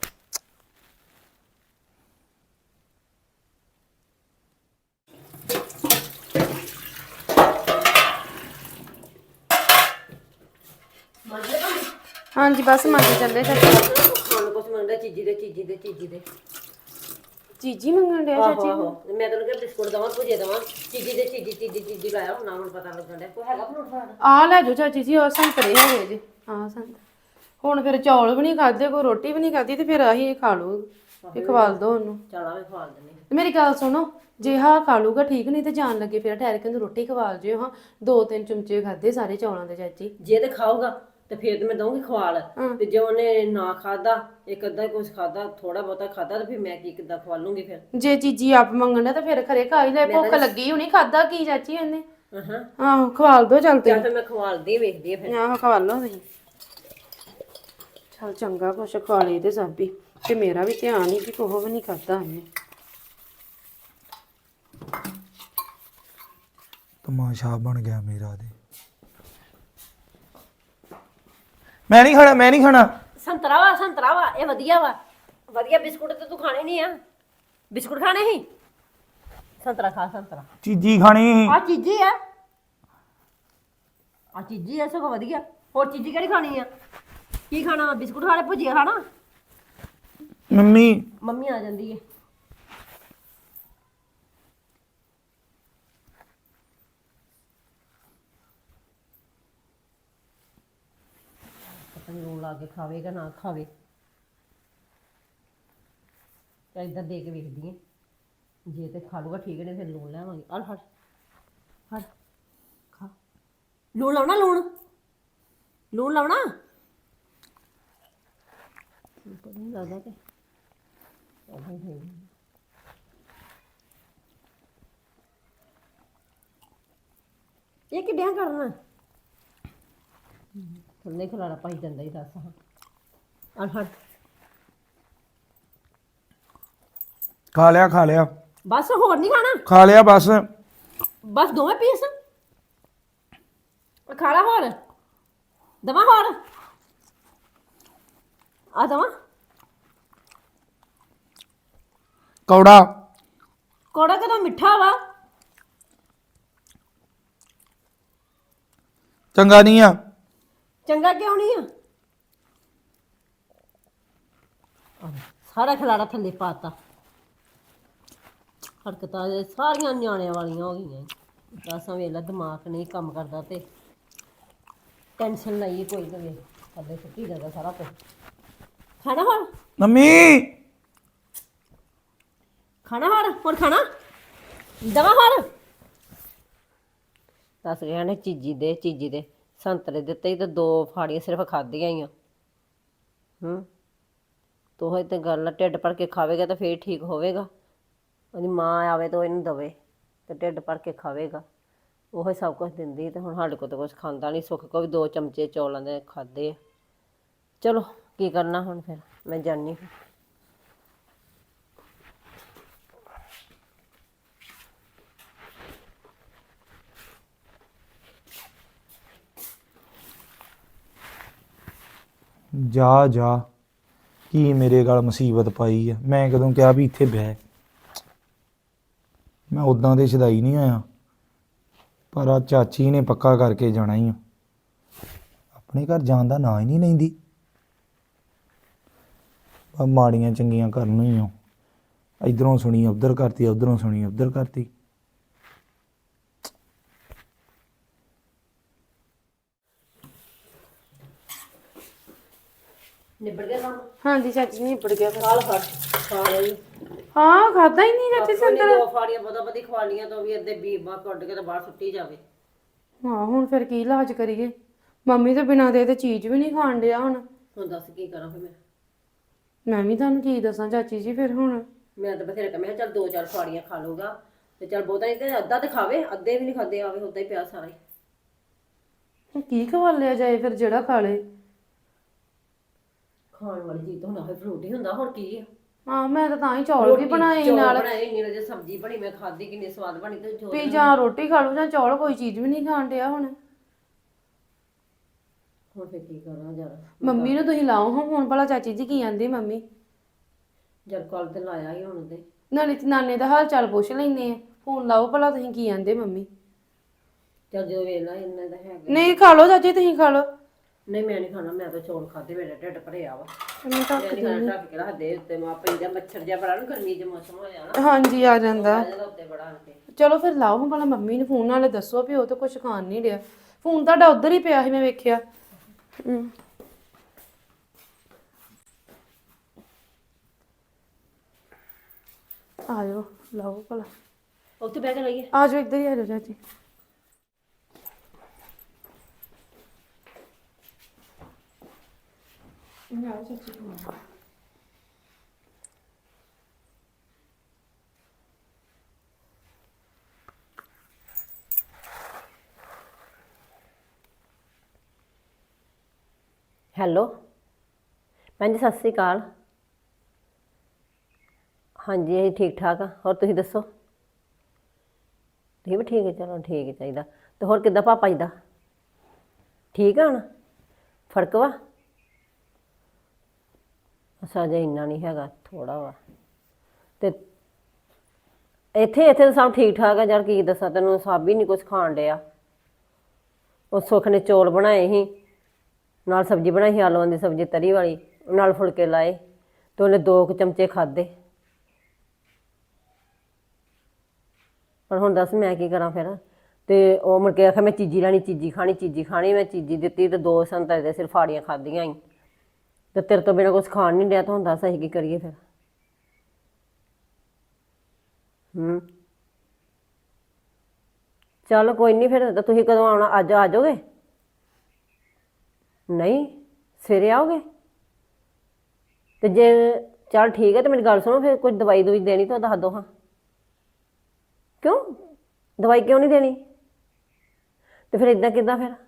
A: ਹਾਂਜੀ ਬਸ ਮੰਗੇ ਚੱਲੇ ਚਾਚੀ।
B: ਹੁਣ ਕੁਛ ਮੰਗਦਾ ਚੀਜੀ ਦੇ
A: ਚੀਜੀ ਮੰਗਣ ਡਿਆ ਚਾਚੀ?
B: ਆਹੋ ਮੈਂ ਤੈਨੂੰ ਕਿਹਾ ਬਿਸਕੁਟ ਦਵਾਂ, ਭੁਜੇ ਦਵਾਂ। ਚੀਜੀ ਲਾਇਆ ਹੁਣ ਮੈਨੂੰ ਪਤਾ ਲੱਗਣ ਡਿਆ। ਕੋਈ ਹੈਗਾ ਫਰੂਟ ਫਰਾਟ?
A: ਆ ਲੈ ਜਾਓ ਚਾਚੀ ਜੀ। ਉਹ ਸੰਤਰੇ ਹੈਗੇ ਜੀ। ਹਾਂ ਸੰਤਰੇ। ਹੁਣ ਫਿਰ ਚੌਲ ਵੀ ਨਹੀਂ ਖਾਦੇ, ਕੋਈ ਰੋਟੀ ਵੀ ਨਹੀਂ ਖਾਦੀ ਤੇ ਫਿਰ ਆਹੀ ਖਾ ਲਓ। ਇਹ ਖਵਾਲ ਦੋ ਉਹਨੂੰ।
B: ਚਲਾ ਵੀ ਖਵਾਲ ਦਿੰਦੇ।
A: ਤੇ ਮੇਰੀ ਗੱਲ ਸੁਣੋ, ਜੇ ਹਾਂ ਖਾ ਲੂਗਾ ਠੀਕ, ਨਹੀਂ ਤੇ ਜਾਣ ਲੱਗੇ ਫਿਰ ਠਹਿਰ ਕੇ ਉਹਨੂੰ ਰੋਟੀ ਖਵਾਲ ਜਿਓ। ਹਾਂ 2-3 ਚਮਚੇ ਖਾਦੇ ਸਾਰੇ ਚੌਲਾਂ ਦੇ ਚਾਚੀ।
B: ਜੇ ਤੇ ਖਾਊਗਾ ਤੇ ਫਿਰ ਤੇ ਮੈਂ ਦਊਂਗੀ ਖਵਾਲ। ਤੇ ਜੇ ਉਹਨੇ ਨਾ ਖਾਦਾ, ਇੱਕ ਅੱਧਾ ਕੁਝ ਖਾਦਾ, ਥੋੜਾ ਬਹੁਤਾ ਖਾਦਾ, ਤੇ ਫਿਰ ਮੈਂ ਕੀ ਕਿੱਦਾਂ ਖਵਾ ਲੂੰਗੀ? ਫਿਰ
A: ਜੇ ਚੀਜੀ ਆਪ ਮੰਗਣਾ ਤਾਂ ਫਿਰ ਖਰੇ ਖਾ ਹੀ ਲੈ। ਭੁੱਖ ਲੱਗੀ ਹੋਣੀ, ਖਾਦਾ ਕੀ ਚਾਚੀ ਉਹਨੇ? ਆਹੋ ਖਵਾਲ ਦੋ ਚੱਲ ਤੇ।
B: ਜਾਂ ਫਿਰ ਮੈਂ ਖਵਾਲਦੀ ਵੇਖਦੀ ਆ ਫਿਰ।
A: ਆਹੋ ਖਵਾਲੋ ਤੁਸੀਂ। ਚੱਲ ਚੰਗਾ ਕੁਛ ਖਾ ਲਈ ਤੇ ਸਾਬੀ। ਤੇ ਮੇਰਾ ਵੀ ਧਿਆਨ ਹੀ ਕਿ ਕੋਹ ਵੀ ਨਹੀਂ ਖਾਦਾ ਉਹਨੇ।
F: ਤਮਾਸ਼ਾ ਬਣ ਗਿਆ ਮੇਰਾ ਤੇ। ਮੈਂ ਨਹੀਂ ਖਾਣਾ।
B: ਸੰਤਰਾ ਵਾ ਇਹ ਵਧੀਆ ਵਾ। ਵਧੀਆ ਬਿਸਕੁਟ ਤੇ ਤੂੰ ਖਾਣੇ ਨਹੀਂ ਆ। ਬਿਸਕੁਟ ਖਾਣੇ ਸੀ? ਸੰਤਰਾ ਖਾ। ਸੰਤਰਾ
F: ਚੀਜੀ ਖਾਣੀ।
B: ਆ ਚੀਜੀ ਆ। ਸਗੋਂ ਵਧੀਆ। ਹੋਰ ਚੀਜੀ ਕਿਹੜੀ ਖਾਣੀ ਆ? ਕੀ ਖਾਣਾ ਬਿਸਕੁਟ ਖਾਣੇ ਭੁਜੀਆ ਖਾਣਾ
F: ਮੰਮੀ
B: ਮੰਮੀ ਆ ਜਾਂਦੀ ਹੈ ਪਤਾ ਨੀ ਲੂਣ ਲਾ ਕੇ ਖਾਵੇਗਾ ਨਾ ਖਾਵੇ ਤਾਂ ਇੱਧਰ ਦੇ ਕੇ ਵੇਖਦੀ ਹੈ ਜੇ ਤੇ ਖਾ ਲੂਗਾ ਠੀਕ ਨੇ ਫਿਰ ਲੂਣ ਲੈਵਾਂਗੇ ਆ ਫੜ ਫੜ ਖਾ ਲੂਣ ਲਾਉਣਾ ਲੂਣ ਲਾਉਣਾ ਪਤਾ ਨਹੀਂ ਲੱਗਦਾ ਤੇ ਇਹ ਕਿੱਡਿਆਂ ਕਰਨਾ ਥੱਲੇ ਖਲਾਰਾ ਪਾਈ ਜਾਂਦਾ ਹੀ ਦੱਸ ਹਾਂ ਆ ਫੜ
F: ਖਾ ਲਿਆ
B: ਬਸ ਹੋਰ ਨਹੀਂ ਖਾਣਾ
F: ਖਾ ਲਿਆ ਬਸ
B: ਬਸ ਦੋਵੇਂ ਪੀਸ ਖਾ ਲਾ ਹੋਰ ਦਵਾ ਹੋਰ ਆ ਦਵਾ
F: ਕੌੜਾ
B: ਕੋੜਾ ਕਦੋਂ ਮਿੱਠਾ ਵਾ
F: ਚੰਗਾ ਨਹੀਂ ਆ
B: ਚੰਗਾ ਕਿਉਂ ਨਹੀਂ ਆ ਸਾਰਾ ਖਿਲਾਰਾ ਥੱਲੇ ਪਾਤਾ ਹਰਕਤਾਂ ਇਹ ਸਾਰੀਆਂ ਨਿਆਣਿਆਂ ਵਾਲੀਆਂ ਹੋ ਗਈਆਂ ਦਸਾਂ ਵੇਲਾ ਦਿਮਾਗ ਨਹੀਂ ਕੰਮ ਕਰਦਾ ਤੇ ਟੈਨਸ਼ਨ ਲਈ ਕੋਈ ਤੇ ਥੱਲੇ ਸੁੱਟੀ ਜਾਂਦਾ ਸਾਰਾ ਕੁਝ ਖਾਣਾ ਹੋਰ
F: ਮੰਮੀ
B: ਖਾਣਾ ਹੋਰ ਖਾਣਾ ਦਵਾ ਹੋਰ ਦੱਸ ਗਿਆ ਨੇ ਚੀਜੀ ਦੇ ਸੰਤਰੇ ਦਿੱਤੇ ਤੇ 2 ਫਾੜੀਆਂ ਸਿਰਫ ਖਾਧੀਆਂ ਹੀ ਆ ਤੋ ਹੋਏ ਤੇ ਗੱਲ ਢਿੱਡ ਭਰ ਕੇ ਖਾਵੇਗਾ ਤਾਂ ਫੇਰ ਠੀਕ ਹੋਵੇਗਾ ਉਹਦੀ ਮਾਂ ਆਵੇ ਤਾਂ ਇਹਨੂੰ ਦਵੇ ਤੇ ਢਿੱਡ ਭਰ ਕੇ ਖਾਵੇਗਾ ਉਹ ਸਭ ਕੁਝ ਦਿੰਦੀ ਤੇ ਹੁਣ ਸਾਡੇ ਕੋਲ ਤਾਂ ਕੁਝ ਖਾਂਦਾ ਨਹੀਂ ਸੁੱਖ ਕੋ ਵੀ 2 ਚਮਚੇ ਚੌਲਾਂ ਦੇ ਖਾਦੇ ਆ ਚਲੋ ਕੀ ਕਰਨਾ ਹੁਣ ਫਿਰ ਮੈਂ ਜਾਣੀ
F: ਜਾ ਕੀ ਮੇਰੇ ਗਲ ਮੁਸੀਬਤ ਪਾਈ ਆ ਮੈਂ ਕਦੋਂ ਕਿਹਾ ਵੀ ਇੱਥੇ ਬਹਿ ਮੈਂ ਉਦਾਂ ਦੇ ਛਦਾਈ ਨਹੀਂ ਆਇਆ ਪਰ ਆ ਚਾਚੀ ਨੇ ਪੱਕਾ ਕਰਕੇ ਜਾਣਾ ਹੀ ਆ ਆਪਣੇ ਘਰ ਜਾਣ ਦਾ ਨਾਂ ਹੀ ਨਹੀਂ ਲੈਂਦੀ ਮਾੜੀਆਂ ਚੰਗੀਆਂ ਕਰਨ ਹੀ ਆ ਇਧਰੋਂ ਸੁਣੀ ਉਧਰ ਕਰਤੀ ਉਧਰੋਂ ਸੁਣੀ ਉਧਰ ਕਰਤੀ
B: ਨਿਬੜ ਗਿਆ ਕੰਮ
A: ਹਾਂਜੀ ਚਾਚੀ ਨਹੀਂ ਨਿਬੜ ਗਿਆ ਫਿਰ
B: ਖਾਲ ਫੜ ਖਾ ਲਈ
A: ਹਾਂ ਖਾਦਾ ਹੀ ਨਹੀਂ ਚਾਚੀ ਸੰਤਰਾ
B: 2 ਫਾੜੀਆਂ ਬਦੀ ਖਵਾਲੀਆਂ ਤੋਂ ਵੀ ਅੱਧੇ ਬੀਬਾ ਕੱਢ ਕੇ ਤਾਂ ਬਾਹਰ ਸੁੱਟੀ ਜਾਵੇ
A: ਹਾਂ ਹੁਣ ਫਿਰ ਕੀ ਇਲਾਜ ਕਰੀਏ ਮੰਮੀ ਤੋਂ ਬਿਨਾਂ ਦੇ ਤੇ ਚੀਜ਼ ਵੀ ਨਹੀਂ ਖਾਣ ਡਿਆ ਹੁਣ
B: ਦੱਸ ਕੀ ਕਰਾਂ ਫਿਰ
A: ਮੈਂ ਵੀ ਤੁਹਾਨੂੰ ਕੀ ਦੱਸਾਂ ਚਾਚੀ ਜੀ ਫਿਰ ਹੁਣ
B: ਮੈਂ ਤਾਂ ਬਥੇਰੇ ਕਮਿਆ ਚੱਲ 2-4 ਫਾੜੀਆਂ ਖਾ ਲਊਗਾ ਤੇ ਚੱਲ ਬਹੁਤਾ ਨਹੀਂ ਤੇ ਅੱਧਾ ਤੇ ਖਾਵੇ ਅੱਧੇ ਵੀ ਨਹੀਂ ਖਾਦੇ ਆਵੇ ਉਦਾਂ ਹੀ ਪਿਆ ਸਾਰਾ ਹੀ
A: ਕੀ ਖਵਾ ਲਿਆ ਜਾਏ ਫਿਰ ਜਿਹੜਾ ਖਾ ਲੇ
B: ਖਾਣ ਵਾਲੀ ਚੀਜ਼ ਤਾਂ ਹੁਣ ਆਹੇ ਫਰੂਟ ਹੀ ਹੁੰਦਾ ਹੋਰ ਕੀ ਆ
A: ਹਾਂ ਮੈਂ ਤਾਂ ਹੀ ਚੌਲ ਵੀ ਬਣਾਏ ਸੀ ਨਾਲ
B: ਬਣਾਏ ਇੰਨੀ ਜੇ ਸਬਜ਼ੀ ਬਣੀ ਮੈਂ ਖਾਧੀ ਕਿੰਨੀ ਸਵਾਦ ਬਣੀ ਤੇ
A: ਵੀ ਜਾਂ ਰੋਟੀ ਖਾ ਲੂ ਜਾਂ ਚੌਲ ਕੋਈ ਚੀਜ਼ ਵੀ ਨਹੀਂ ਖਾਣ ਡਿਆ ਹੁਣ
B: ਫਿਰ ਕੀ ਕਰਾਂ ਯਾਰ
A: ਮੰਮੀ ਨੂੰ ਤੁਸੀਂ ਲਾਓ ਹਾਂ ਹੁਣ ਭਲਾ ਚਾਚੀ ਜੀ ਕੀ ਆਂਦੀ ਮੰਮੀ
B: ਜਦ ਕੱਲ ਤੇ ਲਾਇਆ ਹੀ ਹੁਣ ਤੇ
A: ਨਾਲੇ ਤੇ ਨਾਨੇ ਦਾ ਹਾਲ ਚਾਲ ਪੁੱਛ ਲੈਂਦੇ ਆ ਫੋਨ ਲਾਓ ਭਲਾ ਤੁਸੀਂ ਕੀ ਆਂਦੇ ਮੰਮੀ
B: ਚੱਲ ਜਦੋਂ ਵੇਲਾ ਇੰਨਾ ਦਾ ਹੈਗਾ
A: ਨਹੀਂ ਖਾ ਲਓ ਚਾਚੀ ਤੁਸੀਂ ਖਾ ਲਓ
B: ਨਹੀਂ ਮੈਂ ਨਹੀਂ ਖਾਣਾ ਮੈਂ ਤਾਂ ਚੌਲ ਖਾਦੇ ਮੇਰਾ ਢਿੱਡ ਭਰਿਆ ਵਾ
A: ਮੈਂ ਤਾਂ
B: ਮੈਂ ਨਹੀਂ ਖਾਣਾ ਢੱਕ ਕੇ ਰੱਖ ਦੇ ਉੱਤੇ ਮਾ ਪੈਂਦਾ ਮੱਛਰ ਜਿਹਾ ਬੜਾ ਨੂੰ ਗਰਮੀ ਦੇ ਮੌਸਮ ਹੋ ਜਾਣਾ
A: ਹਾਂਜੀ ਆ ਜਾਂਦਾ
B: ਇਹਦਾ ਉੱਤੇ ਬੜਾ ਕੇ
A: ਚਲੋ ਫਿਰ ਲਾਓ ਹਾਂ ਭਲਾ ਮੰਮੀ ਨੂੰ ਫੋਨ ਨਾਲੇ ਦੱਸੋ ਵੀ ਉਹ ਤਾਂ ਕੁਝ ਖਾਣ ਨਹੀਂ ਡਿਆ ਫੋਨ ਤੁਹਾਡਾ ਉੱਧਰ ਹੀ ਪਿਆ ਸੀ ਮੈਂ ਵੇਖਿਆ ਆ ਜਾਓ ਲਾਓ ਭਲਾ
B: ਉੱਥੇ ਬਹਿ ਕੇ ਲਈਏ
A: ਆ ਜਾਓ ਇੱਧਰ ਹੀ ਆ ਜਾਓ ਚਾਚੀ
B: ਹੈਲੋ ਭੈਣ ਜੀ ਸਤਿ ਸ਼੍ਰੀ ਅਕਾਲ ਹਾਂਜੀ ਅਸੀਂ ਠੀਕ ਠਾਕ ਆ ਹੋਰ ਤੁਸੀਂ ਦੱਸੋ ਤੁਸੀਂ ਵੀ ਠੀਕ ਹੈ ਚਲੋ ਠੀਕ ਹੈ ਚਾਹੀਦਾ ਤੇ ਹੋਰ ਕਿੱਦਾਂ ਪਾਪਾ ਜੀ ਦਾ ਠੀਕ ਆ ਹੁਣ ਫਰਕ ਵਾ ਅੱਛਾ ਜੇ ਇੰਨਾ ਨਹੀਂ ਹੈਗਾ ਥੋੜਾ ਵਾ ਤੇ ਇੱਥੇ ਤਾਂ ਸਭ ਠੀਕ ਠਾਕ ਆ ਯਾਰ ਕੀ ਦੱਸਾਂ ਤੈਨੂੰ ਸਭ ਹੀ ਨਹੀਂ ਕੁਝ ਖਾਣ ਡਿਆ ਉਹ ਸੁੱਖ ਨੇ ਚੌਲ ਬਣਾਏ ਸੀ ਨਾਲ ਸਬਜ਼ੀ ਬਣਾਈ ਸੀ ਆਲੂਆਂ ਦੀ ਸਬਜ਼ੀ ਤਰੀ ਵਾਲੀ, ਨਾਲ ਫੁਲਕੇ ਲਾਏ ਤੇ ਉਹਨੇ 2 ਚਮਚੇ ਖਾਦੇ। ਪਰ ਹੁਣ ਦੱਸ ਮੈਂ ਕੀ ਕਰਾਂ ਫਿਰ? ਤੇ ਉਹ ਮੁੜ ਕੇ ਆਖਿਆ ਮੈਂ ਚੀਜ਼ੀ ਲੈਣੀ, ਚੀਜ਼ੀ ਖਾਣੀ। ਮੈਂ ਚੀਜ਼ੀ ਦਿੱਤੀ ਤੇ 2 ਸੰਤਰੇ ਦੇ ਸਿਰਫ ਫਾੜੀਆਂ ਖਾਧੀਆਂ ਹੀ। ਤੇ ਤੇਰੇ ਤੋਂ ਬਿਨਾਂ ਕੁਛ ਖਾਣ ਨਹੀਂ ਡਿਆ ਤਾਂ ਹੁਣ ਦੱਸ ਅਸੀਂ ਕੀ ਕਰੀਏ ਫਿਰ? ਚੱਲ ਕੋਈ ਨਹੀਂ ਫਿਰ। ਤਾਂ ਤੁਸੀਂ ਕਦੋਂ ਆਉਣਾ? ਅੱਜ ਆ ਜਾਓਗੇ? ਨਹੀਂ ਸਵੇਰੇ ਆਓਗੇ? ਤੇ ਜੇ ਚੱਲ ਠੀਕ ਹੈ ਤੇ ਮੇਰੀ ਗੱਲ ਸੁਣੋ, ਫਿਰ ਕੁਝ ਦਵਾਈ ਦੂਈ ਦੇਣੀ ਤਾਂ ਦੱਸ ਦਿਓ ਹਾਂ। ਕਿਉਂ ਦਵਾਈ ਕਿਉਂ ਨਹੀਂ ਦੇਣੀ? ਤੇ ਫਿਰ ਇਦਾਂ ਕਿੱਦਾਂ ਫਿਰ?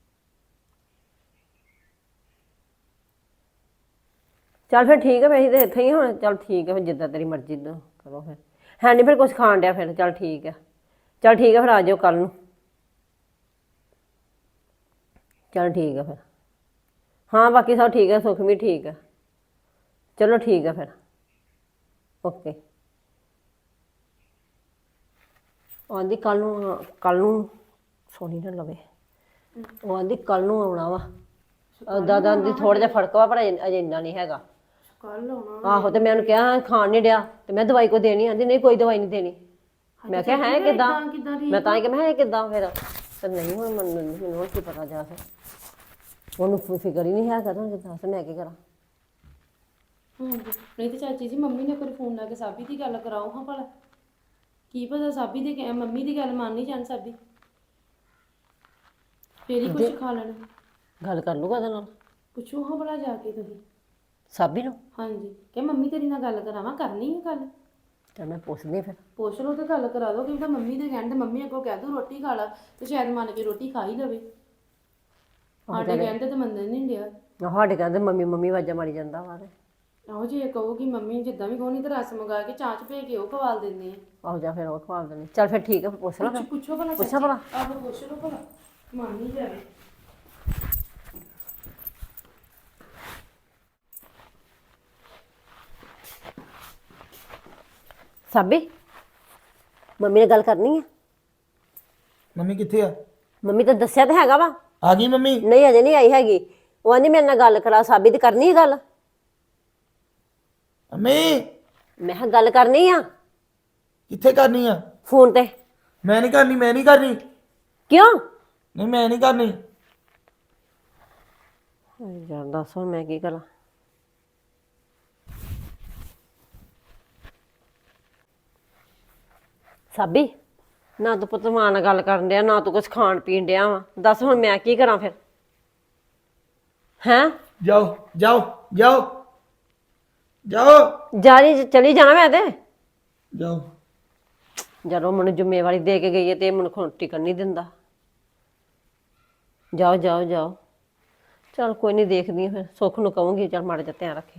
B: ਚੱਲ ਫਿਰ ਠੀਕ ਹੈ, ਫਿਰ ਅਸੀਂ ਤਾਂ ਇੱਥੇ ਹੀ ਹੁਣ। ਚੱਲ ਠੀਕ ਹੈ ਫਿਰ, ਜਿੱਦਾਂ ਤੇਰੀ ਮਰਜ਼ੀ ਦਾ ਕਰੋ ਫਿਰ। ਹੈ ਨਹੀਂ ਫਿਰ ਕੁਛ ਖਾਣ ਡਿਆ ਫਿਰ? ਚੱਲ ਠੀਕ ਹੈ ਫਿਰ ਆ ਜਾਇਓ ਕੱਲ੍ਹ ਨੂੰ। ਚੱਲ ਠੀਕ ਹੈ ਫਿਰ। ਹਾਂ ਬਾਕੀ ਸਭ ਠੀਕ ਹੈ, ਸੁੱਖ ਵੀ ਠੀਕ ਹੈ। ਚਲੋ ਠੀਕ ਹੈ ਫਿਰ, ਓਕੇ। ਆਂਦੀ ਕੱਲ੍ਹ ਨੂੰ ਸੋਨੀ ਨਾ ਲਵੇ। ਉਹ ਆਂਦੀ ਕੱਲ੍ਹ ਨੂੰ ਆਉਣਾ ਵਾ। ਦਾਦਾ ਦੀ ਥੋੜ੍ਹਾ ਜਿਹਾ ਫਰਕ ਵਾ, ਪਰ ਅਜੇ ਇੰਨਾ ਨਹੀਂ ਹੈਗਾ।
A: ਕੱਲ ਆਉਣਾ?
B: ਆਹੋ ਤੇ ਮੈਂ ਉਹਨੂੰ ਕਿਹਾ ਖਾਣ ਨਹੀਂ ਡਿਆ ਤੇ ਮੈਂ ਦਵਾਈ ਕੋ ਦੇਣੀ? ਆਂਦੀ ਨਹੀਂ ਕੋਈ ਦਵਾਈ ਨਹੀਂ ਦੇਣੀ। ਮੈਂ ਕਿਹਾ ਹੈ ਕਿੱਦਾਂ? ਮੈਂ ਤਾਂ ਹੀ ਕਿ ਮੈਂ ਕਿੱਦਾਂ ਫਿਰ? ਤੇ ਨਹੀਂ ਹੁਣ ਮੈਨੂੰ ਕੀ ਪਤਾ ਜਾ ਫਿਰ, ਉਹਨੂੰ ਫਿਕਰ ਹੀ ਨਹੀਂ ਹੈਗਾ ਤਾਂ ਦੱਸ ਮੈਂ ਕੀ ਕਰਾਂ?
A: ਹਾਂਜੀ ਨਹੀਂ ਤੇ ਚਾਚੀ ਜੀ ਮੰਮੀ ਨੇ ਕੋਈ ਫੋਨ ਲਾ ਕੇ ਸਾਬੀ ਦੀ ਗੱਲ ਕਰਾਓ ਹਾਂ ਭਲਾ। ਕੀ ਪਤਾ ਸਾਬੀ ਦੇ ਮੰਮੀ ਦੀ ਗੱਲ ਮੰਨ ਨਹੀਂ ਜਾਣ ਸਾਬੀ, ਫੇਰ ਹੀ ਕੁਝ ਖਾ ਲੈਣ।
B: ਗੱਲ ਕਰ ਲੂਗਾ ਉਹਦੇ ਨਾਲ?
A: ਪੁੱਛੋ ਹਾਂ ਭਲਾ ਜਾ ਕੇ ਤੁਸੀਂ
B: ਸਾਬੀ ਨੂੰ।
A: ਹਾਂਜੀ ਕਿ ਮੰਮੀ ਤੇਰੀ ਨਾਲ ਗੱਲ ਕਰਾਵਾਂ? ਕਰਨੀ ਹੈ ਗੱਲ?
B: ਤੇ ਮੈਂ ਪੁੱਛਦੀ ਫਿਰ।
A: ਪੁੱਛ ਲਓ ਤੇ ਗੱਲ ਕਰਾ ਦਿਓ, ਕਿਉਂਕਿ ਮੰਮੀ ਦੇ ਕਹਿਣ ਤੇ ਮੰਮੀ ਅੱਗੋਂ ਕਹਿ ਦੂ ਰੋਟੀ ਖਾ ਲਾ ਤੇ ਸ਼ਾਇਦ ਮੰਨ ਕੇ ਰੋਟੀ ਖਾ ਹੀ ਲਵੇ। ਸਾਡੇ ਕਹਿੰਦੇ ਤਾਂ ਮੰਨਣ ਨਹੀਂ ਡਿਆ।
B: ਸਾਡੇ ਕਹਿੰਦੇ ਮੰਮੀ ਆਵਾਜ਼ਾਂ ਮਾਰੀ ਜਾਂਦਾ ਵਾ।
A: ਆਹੋ ਜੇ ਕਹੋਗੀ ਮੰਮੀ ਜਿੱਦਾਂ ਵੀ ਕਹੋ, ਨਹੀਂ ਤਾਂ ਰਸ ਮੰਗਾ ਕੇ ਚਾਹ ਚ ਭੇ ਕੇ ਉਹ ਖਵਾਲ ਦਿੰਦੇ ਆ।
B: ਆਹੋ ਜਾਂ ਫਿਰ ਉਹ ਖਵਾ ਦੇਣੇ। ਚੱਲ ਫਿਰ ਠੀਕ ਹੈ, ਫਿਰ ਪੁੱਛ ਲਾ ਫਿਰ।
A: ਪੁੱਛੋ ਭਲਾ
B: ਪੁੱਛਾਂ ਭਲਾ?
A: ਆਹੋ ਪੁੱਛ ਲਓ ਭਲਾ, ਮੰਨ ਨਹੀਂ ਜਾਵੇ।
B: ਸਾਬੀ ਮੰਮੀ ਨਾਲ ਗੱਲ ਕਰਨੀ ਆ?
F: ਮੰਮੀ ਕਿੱਥੇ ਆ?
B: ਮੰਮੀ ਤਾਂ ਦੱਸਿਆ ਤਾਂ ਹੈਗਾ ਵਾ।
F: ਆ ਗਈ ਮੰਮੀ?
B: ਨਹੀਂ ਅਜੇ ਨਹੀਂ ਆਈ ਹੈਗੀ। ਉਹ ਆਂਦੀ ਮੇਰੇ ਨਾਲ ਗੱਲ ਕਰਾ। ਸਾਬੀ ਦੀ ਕਰਨੀ ਹੈ ਗੱਲ?
F: ਮੰਮੀ
B: ਮੈਂ ਕਿਹਾ ਗੱਲ ਕਰਨੀ ਆ।
F: ਕਿੱਥੇ ਕਰਨੀ ਆ?
B: ਫੋਨ ਤੇ।
F: ਮੈਂ ਨਹੀਂ ਕਰਨੀ।
B: ਕਿਉਂ?
F: ਨਹੀਂ ਮੈਂ ਨਹੀਂ ਕਰਨੀ।
B: ਯਾਰ ਦੱਸ ਹੁਣ ਮੈਂ ਕੀ ਕਰਾਂ? ਸਾਬੀ ਨਾ ਤੂੰ ਪੁੱਤ ਮਾਂ ਨਾਲ ਗੱਲ ਕਰਨ ਡਿਆ, ਨਾ ਤੂੰ ਕੁਛ ਖਾਣ ਪੀਣ ਡਿਆ ਵਾ। ਦੱਸ ਹੁਣ ਮੈਂ ਕੀ ਕਰਾਂ ਫਿਰ? ਹੈਂ?
F: ਜਾਓ
B: ਚਲੀ ਜਾਣਾ ਮੈਂ ਤੇ।
F: ਜਾਓ।
B: ਜਦੋਂ ਮੈਨੂੰ ਜ਼ਿੰਮੇਵਾਰੀ ਦੇ ਕੇ ਗਈ ਹੈ ਤੇ ਮੈਨੂੰ ਟਿਕਣ ਨਹੀਂ ਦਿੰਦਾ। ਜਾਓ। ਚੱਲ ਕੋਈ ਨਹੀਂ, ਦੇਖਦੀ ਫਿਰ। ਸੁੱਖ ਨੂੰ ਕਹੂੰਗੀ ਚੱਲ ਮਾੜਾ ਜਿਹਾ ਧਿਆਨ ਰੱਖੇ।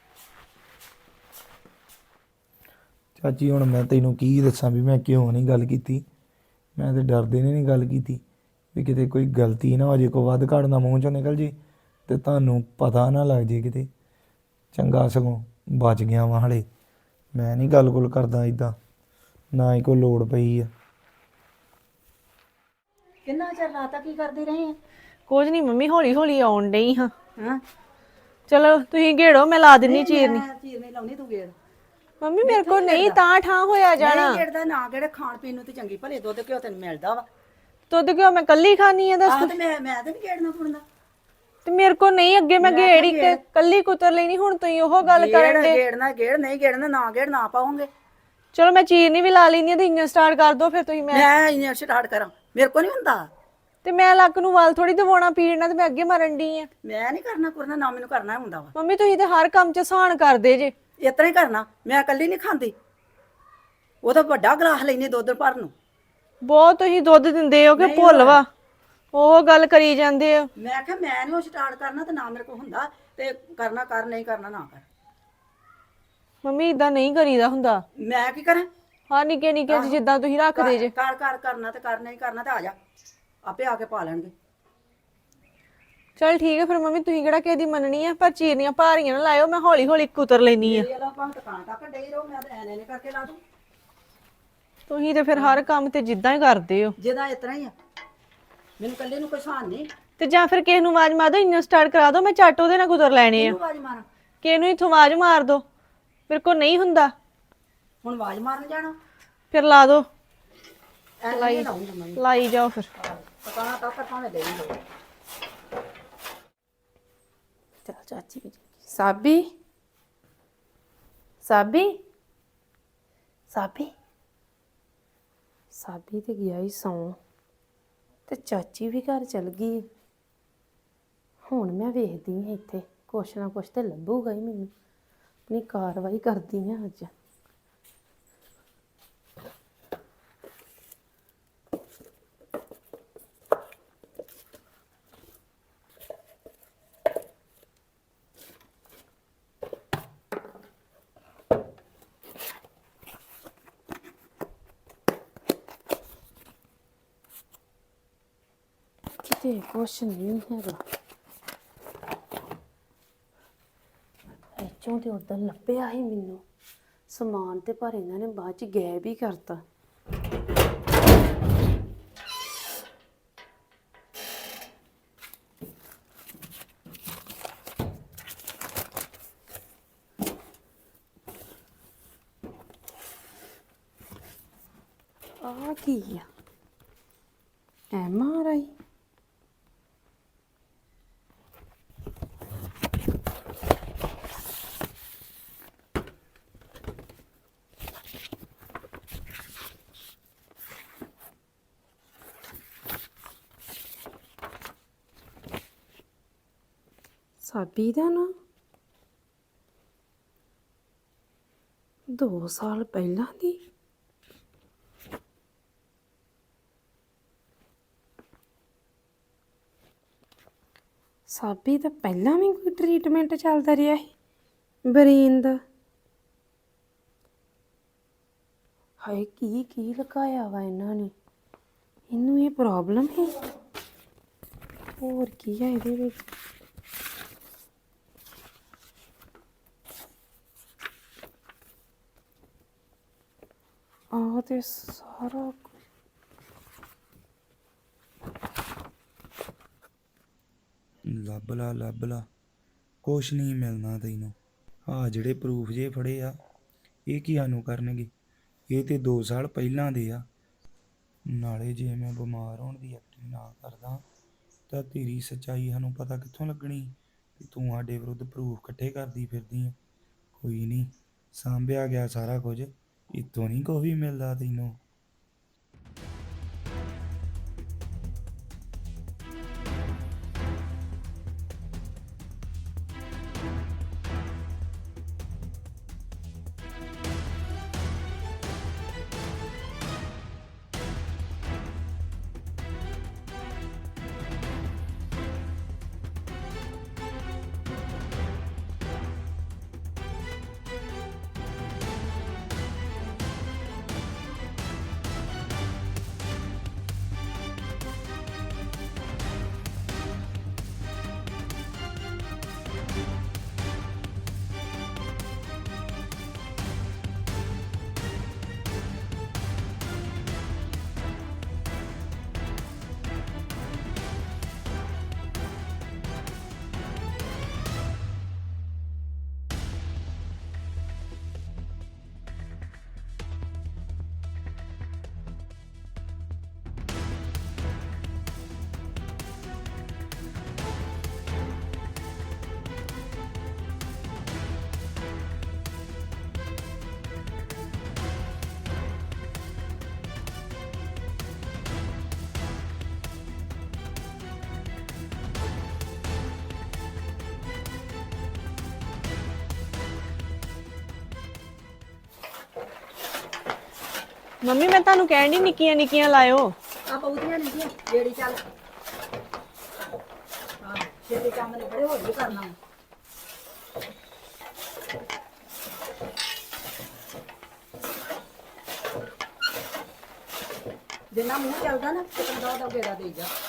F: ਚਾਚੀ ਹੁਣ ਮੈਂ ਤੈਨੂੰ ਕੀ ਦੱਸਾਂ ਵੀ ਮੈਂ ਕਿਉਂ ਨਹੀਂ ਗੱਲ ਕੀਤੀ। ਮੈਂ ਤੇ ਡਰਦੇ ਨੇ ਨਹੀਂ ਗੱਲ ਕੀਤੀ ਵੀ ਕਿਤੇ ਕੋਈ ਗਲਤੀ ਨਾ ਹੋ ਜੇ, ਕੋ ਵੱਧ ਘੱਟ ਨਾ ਮੂੰਹ ਚੋਂ ਨਿਕਲ ਜੇ ਤੇ ਤੁਹਾਨੂੰ ਪਤਾ ਨਾ ਲੱਗ ਜੇ ਕਿਤੇ। ਚੰਗਾ ਸਗੋਂ ਬਚ ਗਿਆ ਵਾਂ ਹਲੇ। ਮੈਂ ਨਹੀਂ ਗੱਲ ਕਰਦਾ ਇੱਦਾਂ, ਨਾ ਹੀ ਕੋਈ ਲੋੜ ਪਈ ਆ।
D: ਕਿੰਨਾ ਚਿਰ ਰਾਤਾਂ ਕੀ ਕਰਦੇ ਰਹੇ ਆ?
C: ਕੁਝ ਨਹੀਂ ਮੰਮੀ, ਹੌਲੀ ਆਉਣ ਡਈ ਹਾਂ। ਚਲੋ ਤੁਸੀਂ ਘੇੜੋ, ਮੈਂ ਲਾ ਦਿੰਨੀ ਚੀਰਨੀ।
D: ਚੀਰਨੀ ਲਾਉਣੀ ਤੂੰ ਗੇੜ?
C: ਮੰਮੀ ਮੇਰੇ ਕੋਲ ਨਹੀਂ ਤਾਂ ਠਾਂ ਹੋਇਆ ਜਾਣਾ।
D: ਨਹੀਂ ਗੇੜਦਾ ਨਾ ਕਿਹੜੇ ਖਾਣ ਪੀਣ ਨੂੰ ਤੇ ਚੰਗੀ ਭਲੇ ਦੁੱਧ ਘਿਓ ਤੈਨੂੰ ਮਿਲਦਾ ਵਾ।
C: ਦੁੱਧ ਕਿਉਂ ਮੈਂ ਕੱਲੀ ਖਾਣੀ ਆ ਦੱਸ?
D: ਆਹ ਤੇ ਮੈਂ ਤੇ ਨਹੀਂ ਗੇੜਨਾ ਪੁੜਨਾ।
C: ਤੇ ਮੇਰੇ ਕੋਲ ਨਹੀਂ, ਅੱਗੇ ਮੈਂ ਗੇੜੀ ਕੇ ਕੱਲੀ ਕੁਤਰ ਲੈਣੀ, ਹੁਣ ਤੁਸੀਂ ਉਹ ਗੱਲ ਕਰਨ ਦੇ।
D: ਗੇੜਨਾ ਗੇੜ, ਨਹੀਂ ਗੇੜਨਾ ਨਾ ਗੇੜ, ਨਾ ਪਾਉਂਗੇ।
C: ਚਲੋ ਮੈਂ ਚੀਰਨੀ ਵੀ ਲਾ ਲੈਣੀ ਆ ਤੇ ਇੰਨਾ ਸਟਾਰਟ ਕਰ ਦੋ ਫਿਰ ਤੁਸੀਂ।
D: ਮੈਂ ਇੰਨਾ ਸਟਾਰਟ ਕਰਾਂ? ਮੇਰੇ ਕੋ ਨਹੀਂ ਹੁੰਦਾ।
C: ਤੇ ਮੈਂ ਲੱਕ ਨੂੰ ਵਾਲ ਥੋੜੀ ਦਵਾਉਣਾ, ਪੀੜਨਾ ਤੇ ਮੈਂ ਅੱਗੇ ਮਰਨ ਡਈ ਆ।
D: ਮੈਂ ਨਹੀਂ ਕਰਨਾ ਨਾ ਮੈਨੂੰ ਕਰਨਾ ਹੁੰਦਾ ਵਾ।
C: ਮੰਮੀ ਤੁਸੀਂ ਤੇ ਹਰ ਕੰਮ 'ਚ ਸਹਾਨ ਕਰਦੇ ਜੇ।
D: ਇਸ ਤਰ੍ਹਾਂ ਹੀ ਕਰਨਾ। ਮੈਂ ਇਕੱਲੀ ਨਹੀਂ ਖਾਂਦੀ, ਉਹ ਤਾਂ ਵੱਡਾ ਗਲਾਸ ਲੈਣੀ ਦੁੱਧ ਭਰਨ ਨੂੰ।
C: ਬਹੁਤ ਤੁਸੀਂ ਦੁੱਧ ਦਿੰਦੇ ਹੋ ਕਿ ਭੁੱਲ ਵਾ, ਉਹ ਗੱਲ ਕਰੀ ਜਾਂਦੇ ਹੋ।
D: ਮੈਂ ਕਿਹਾ ਮੈਂ ਨਹੀਂ ਉਹ ਸਟਾਰਟ ਕਰਨਾ ਤੇ ਨਾ ਮੇਰੇ ਕੋਲ ਹੁੰਦਾ ਤੇ ਕਰਨਾ ਕਰ, ਨਹੀਂ ਕਰਨਾ ਨਾ ਕਰ।
C: ਮੰਮੀ ਇਦਾਂ ਨਹੀਂ ਕਰੀਦਾ ਹੁੰਦਾ।
D: ਮੈਂ ਕੀ ਕਰਾਂ?
C: ਹਾਂ ਨਿੱਕੇ ਨਿੱਕੇ ਜਿੱਦਾਂ ਤੁਸੀਂ ਰੱਖਦੇ ਜੇ।
D: ਕਰ ਕਰਨਾ ਤੇ ਕਰ, ਨਹੀਂ ਕਰਨਾ ਤੇ ਆ ਜਾ, ਆਪੇ ਆ ਕੇ ਪਾ ਲੈਣਗੇ।
C: ਚਲ ਠੀਕ ਹੈ ਫਿਰ ਮੰਮੀ, ਤੁਸੀਂ ਕਿਹੜਾ ਕਿਸੇ ਦੀ ਮੰਨਣੀ ਆ, ਪਰ ਚੀਰਨੀਆਂ ਭਾਰੀਆਂ ਨਾ ਲਾਇਓ, ਮੈਂ ਹੌਲੀ ਕੁਤਰ ਲੈਣੀ ਆ।
D: ਇਹ ਲਾ ਭਾਂ ਦੁਕਾਨ ਤੱਕ ਡਈ ਰਹੋ, ਮੈਂ ਤਾਂ ਐਨੇ ਕਰਕੇ ਲਾ ਦੂੰ।
C: ਤੁਸੀਂ ਤੇ ਫਿਰ ਹਰ ਕੰਮ ਤੇ ਜਿੱਦਾਂ ਹੀ ਕਰਦੇ ਹੋ।
D: ਜਿਹਦਾ ਇਸ ਤਰ੍ਹਾਂ ਹੀ ਆ, ਮੈਨੂੰ ਇਕੱਲੇ ਨੂੰ ਕੋਈ ਸਾਨ ਨਹੀਂ।
C: ਤੇ ਜਾਂ ਫਿਰ ਕਿਸੇ ਨੂੰ ਆਵਾਜ਼ ਮਾਰ ਦੋ, ਇੰਨਾ ਸਟਾਰਟ ਕਰਾ ਦੋ, ਮੈਂ ਝੱਟ ਉਹਦੇ ਨਾਲ ਗੁਜ਼ਰ ਲੈਣੇ ਆ।
D: ਆਵਾਜ਼ ਮਾਰਾਂ
C: ਕਿਸੇ ਨੂੰ ਇੱਥੋਂ ਆਵਾਜ਼ ਮਾਰ ਦੋ, ਮੇਰੇ ਕੋਲ ਨਹੀਂ ਹੁੰਦਾ।
D: ਹੁਣ ਆਵਾਜ਼ ਮਾਰਨ ਜਾਣਾ
C: ਫਿਰ ਲਾ ਦੋ,
D: ਐ ਲਾਉਂਗਾ ਮੈਂ
C: ਲਾਈ ਜਾਓ ਫਿਰ।
D: ਪਕਾਣਾ ਤਾਂ ਕਰ ਭਾਵੇਂ ਦੇ ਹੀ
A: ਚਲ ਚਾਚੀ ਵੀ ਸਾਬੀ ਸਾਬੀ ਸਾਬੀ ਸਾਬੀ ਤੇ ਗਿਆ ਹੀ ਸੌਂ ਤੇ ਚਾਚੀ ਵੀ ਘਰ ਚਲ ਗਈ। ਹੁਣ ਮੈਂ ਵੇਖਦੀ ਹਾਂ ਇੱਥੇ ਕੁਛ ਨਾ ਕੁਛ ਤੇ ਲੱਭੂਗਾ ਹੀ ਮੈਨੂੰ, ਆਪਣੀ ਕਾਰਵਾਈ ਕਰਦੀ ਹਾਂ ਅੱਜ। ਕਿਤੇ ਕੁਛ ਨਹੀਂ ਹੈਗਾ, ਇੱਥੋਂ ਤੇ ਉਦੋਂ ਲੱਭਿਆ ਹੀ ਮੈਨੂੰ ਸਮਾਨ, ਤੇ ਪਰ ਇਹਨਾਂ ਨੇ ਬਾਅਦ ਚ ਗਾਇਬ ਹੀ ਕਰਤਾ। ਆ ਕੀ ਆ? MRI ਸਾਬੀ ਦਾ ਨਾ 2 ਸਾਲ ਪਹਿਲਾਂ ਦੀ। ਸਾਬੀ ਤਾਂ ਪਹਿਲਾਂ ਵੀ ਕੋਈ ਟ੍ਰੀਟਮੈਂਟ ਚੱਲਦਾ ਰਿਹਾ ਸੀ ਬਰੇਨ ਦਾ। ਹਾਏ ਕੀ ਕੀ ਲਗਾਇਆ ਵਾ ਇਹਨਾਂ ਨੇ, ਇਹਨੂੰ ਇਹ ਪ੍ਰੋਬਲਮ ਹੈ। ਹੋਰ ਕੀ ਹੈ ਇਹਦੇ ਵਿੱਚ? ਆਹ ਤੇ ਸਾਰਾ
F: ਲੱਭ ਲਾ ਕੁਛ ਨਹੀਂ ਮਿਲਣਾ ਤੈਨੂੰ। ਆ ਜਿਹੜੇ ਪ੍ਰੂਫ ਜੇ ਫੜੇ ਆ ਇਹ ਕੀ ਸਾਨੂੰ ਕਰਨਗੇ? ਇਹ ਤੇ 2 ਸਾਲ ਪਹਿਲਾਂ ਦੇ ਆ। ਨਾਲੇ ਜੇ ਮੈਂ ਬਿਮਾਰ ਹੋਣ ਦੀ ਐਕਟਿੰਗ ਨਾ ਕਰਦਾ ਤਾਂ ਤੇਰੀ ਸੱਚਾਈ ਸਾਨੂੰ ਪਤਾ ਕਿੱਥੋਂ ਲੱਗਣੀ ਕਿ ਤੂੰ ਸਾਡੇ ਵਿਰੁੱਧ ਪ੍ਰੂਫ ਇਕੱਠੇ ਕਰਦੀ ਫਿਰਦੀ ਆ। ਕੋਈ ਨਹੀਂ, ਸਾਂਭਿਆ ਗਿਆ ਸਾਰਾ ਕੁਝ, ਇੱਥੋਂ ਨਹੀਂ ਕੁਛ ਵੀ ਮਿਲਦਾ ਤੈਨੂੰ।
C: ਮੰਮੀ ਮੈਂ ਤੁਹਾਨੂੰ ਕਹਿਣ ਦੀ ਨਿੱਕੀਆਂ ਨਿੱਕੀਆਂ ਲਾਇਓ।
D: ਆ ਪਉਦੀਆਂ ਨਹੀਂ ਜਿਹੜੀ ਚੱਲ ਹਾਂ ਛੇਤੀ ਕੰਮ ਨੇ ਬੜੇ ਹੋਰ ਵੀ ਕਰਨਾ। ਜਿੰਨਾ ਮੂੰਹ ਚੱਲਦਾ ਨਾ ਤੇ ਕੰਦਾ ਉਹਦਾ ਗੇੜਾ ਦੇ ਜਾ।